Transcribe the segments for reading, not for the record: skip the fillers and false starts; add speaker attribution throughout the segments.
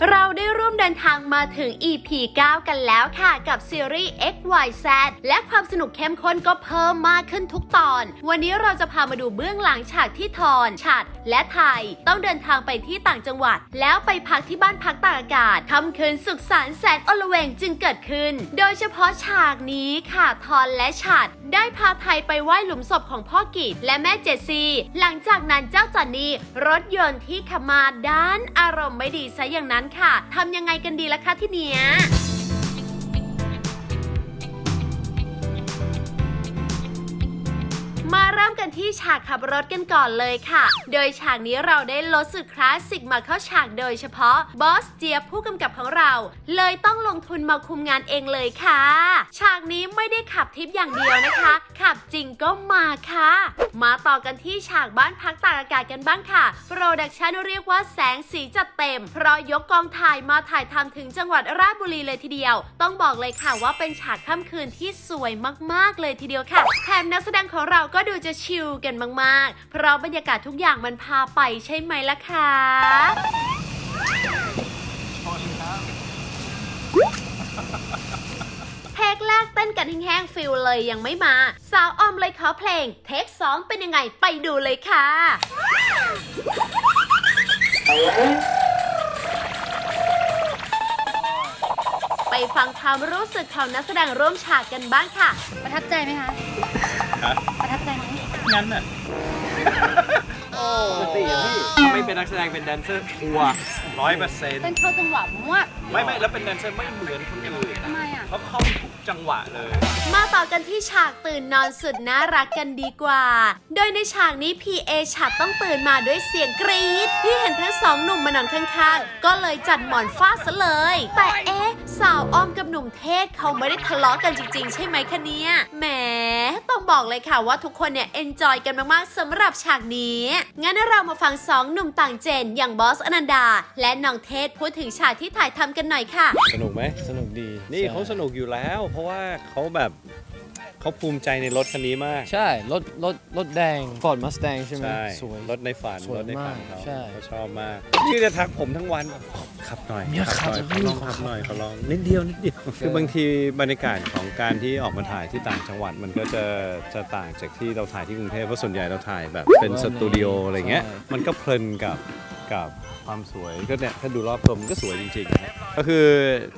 Speaker 1: เราได้ร่วมเดินทางมาถึง EP 9 กันแล้วค่ะกับซีรีส์ XYZ และความสนุกเข้มข้นก็เพิ่มมากขึ้นทุกตอนวันนี้เราจะพามาดูเบื้องหลังฉากที่ทอนฉัตรและไทยต้องเดินทางไปที่ต่างจังหวัดแล้วไปพักที่บ้านพักตากอากาศค่ำคืนสุขสันต์แสนอลเวงจึงเกิดขึ้นโดยเฉพาะฉากนี้ค่ะทอนและฉัตรได้พาไทยไปไหว้หลุมศพของพ่อกิจและแม่เจสซี่หลังจากนั้นเจ้าจอนนี่รถยนต์ที่ขับมาด้านอารมณ์ไม่ดีซะอย่างนั้นค่ะทำยังไงกันดีล่ะคะที่เนี้ยมาเริ่มกันที่ฉากขับรถกันก่อนเลยค่ะโดยฉากนี้เราได้ลดสุดคลาสสิกมาเข้าฉากโดยเฉพาะบอสเจี๊ยบผู้กำกับของเราเลยต้องลงทุนมาคุมงานเองเลยค่ะฉากนี้ไม่ได้ขับทิปอย่างเดียวนะคะขับจริงก็มาค่ะมาต่อกันที่ฉากบ้านพักตากอากาศกันบ้างค่ะโปรดักชันเรียกว่าแสงสีจัดเต็มเพราะยกกองถ่ายมาถ่ายทำถึงจังหวัดราชบุรีเลยทีเดียวต้องบอกเลยค่ะว่าเป็นฉากค่ำคืนที่สวยมากๆเลยทีเดียวค่ะแถมนักแสดงของเราก็ดูจะชิลกันมากๆเพราะบรรยากาศทุกอย่างมันพาไปใช่ไหมล่ะคะเทคแรกเต้นกันแห้งๆฟิลเลยยังไม่มาสาวออมเลยขอเพลงเทค2เป็นยังไงไปดูเลยค่ะไปฟังความรู้สึกของนักแสดงร่วมฉากกันบ้างค่ะ
Speaker 2: ประทับใจไหมคะประทับใจไหม
Speaker 3: งั้นน่ะปกติอะพี่ไม่เป็นนักแสดงเป็นแดนเซอร์ทัวร์100%
Speaker 2: เป็นเข้าจังหวะมาก
Speaker 3: ไม่แล้วเป็นแดนเซอร์ไม่เหมือนคนอื่น
Speaker 2: ทำไมอ่ะ
Speaker 3: เขาเข้าทุกจังหวะเลย
Speaker 1: มาต่อกันที่ฉากตื่นนอนสุดน่ารักกันดีกว่าโดยในฉากนี้พีเอฉัตรต้องตื่นมาด้วยเสียงกรี๊ดที่เห็นทั้งสองหนุ่มมานอนข้างๆก็เลยจัดหมอนฟาดซะเลยแต่สาวอ้อมกับหนุ่มเทศเขาไม่ได้ทะเลาะกันจริงๆใช่ไหมคะเนี่ยแหมต้องบอกเลยค่ะว่าทุกคนเนี่ยเอนจอยกันมากๆสำหรับฉากนี้งั้นเรามาฟังสองหนุ่มต่างเจนอย่างบอสอนันดาและน้องเทศพูดถึงฉากที่ถ่ายทำกันหน่อยค่ะ
Speaker 4: สนุกไหมสนุกดีนี่เขาสนุกอยู่แล้วเพราะว่าเขาแบบเขาภูมิใจในรถคันนี้มาก
Speaker 5: ใช่รถแดง Ford Mustang ใช่ไหม
Speaker 4: สวยรถในฝันรถในฝันเขาเขาชอบมากนี่จะทักผมทั้งวันขับหน่อยขับหน่อยขอลองขับหน่อยขอลองนิดเดียวคือบางทีบรรยากาศของการที่ออกมาถ่ายที่ต่างจังหวัดมันก็จะต่างจากที่เราถ่ายที่กรุงเทพเพราะส่วนใหญ่เราถ่ายแบบเป็นสตูดิโออะไรเงี้ยมันก็เพลินกับความสวยก็เนี่ยถ้าดูรอบตัวมันก็สวยจริงๆก็คือ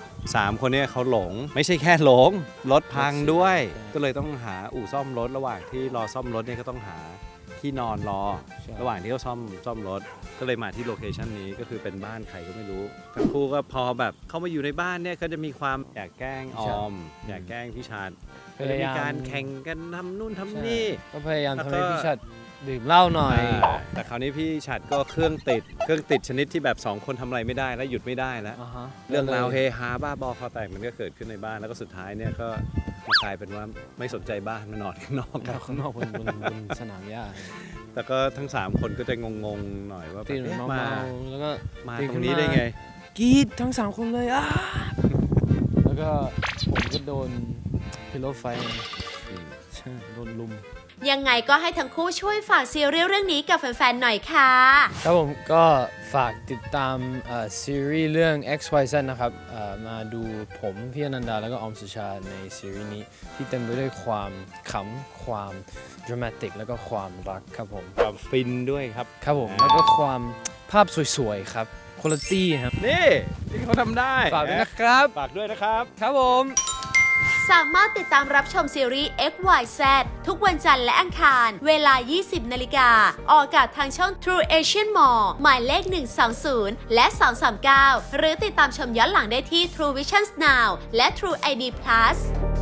Speaker 4: 3คนนี้เขาหลงไม่ใช่แค่หลงรถพังด้วยก็เลยต้องหาอู่ซ่อมรถระหว่างที่รอซ่อมรถเนี่ยก็ต้องหาที่นอนรอระหว่างที่เขาซ่อมรถก็เลยมาที่โลเคชันนี้ก็คือเป็นบ้านใครก็ไม่รู้ทั้งคู่ก็พอแบบเข้ามาอยู่ในบ้านเนี่ยก็จะมีความอยากแกล้งออมอยากแกล้งพี่ชาญมีการแข่งกันทำนู่นทำนี่
Speaker 5: ก็พยายามทำให้พี่ชัดดื่มเหล้าหน่อย
Speaker 4: แต่คราวนี้พี่ฉัตรก็เครื่องติดชนิดที่แบบ2คนทำอะไรไม่ได้แล้วหยุดไม่ได้แล้วเรื่องราวเฮฮาบ้าบอคอแตกมันก็เกิดขึ้นในบ้านแล้วก็สุดท้ายเนี่ยก็กลายเป็นว่าไม่สนใจบ้านมานอนข้างนอกกัน
Speaker 5: ข้างนอกบนสนามหญ้า
Speaker 4: แต่ก็ทั้ง3คนก็จะงงๆหน่อยว่า
Speaker 5: มาแล้วก็
Speaker 4: มาตรงนี้ได้ไง
Speaker 5: กรี๊ดทั้ง3คนเลยแล้วก็ผมก็โดนพิโลไฟใช่โดนลุม
Speaker 1: ยังไงก็ให้ทั้งคู่ช่วยฝากซีรีส์เรื่องนี้กับแฟนๆหน่อยค่ะ
Speaker 5: ครับผมก็ฝากติดตามซีรีส์เรื่อง XYZ นะครับมาดูผมพี่อนันดาแล้วก็ออมสุชาในซีรีส์นี้ที่เต็มไปด้วยความขำความดรามาติกแล้วก็ความรักครับผม
Speaker 4: ความฟินด้วยครับ
Speaker 5: ครับผมแล้วก็ความภาพสวยๆครับคุณภาพครับ
Speaker 4: นี่เขาทำได้
Speaker 5: ฝากด้วยนะครับ
Speaker 4: ฝากด้วยนะครับ
Speaker 5: ครับผม
Speaker 1: สามารถติดตามรับชมซีรีส์ XYZ ทุกวันจันทร์และอังคารเวลา 20 นาฬิกาออกอากาศทางช่อง True Asian Mall หมายเลข 120 และ 239 หรือติดตามชมย้อนหลังได้ที่ True Visions Now และ True ID Plus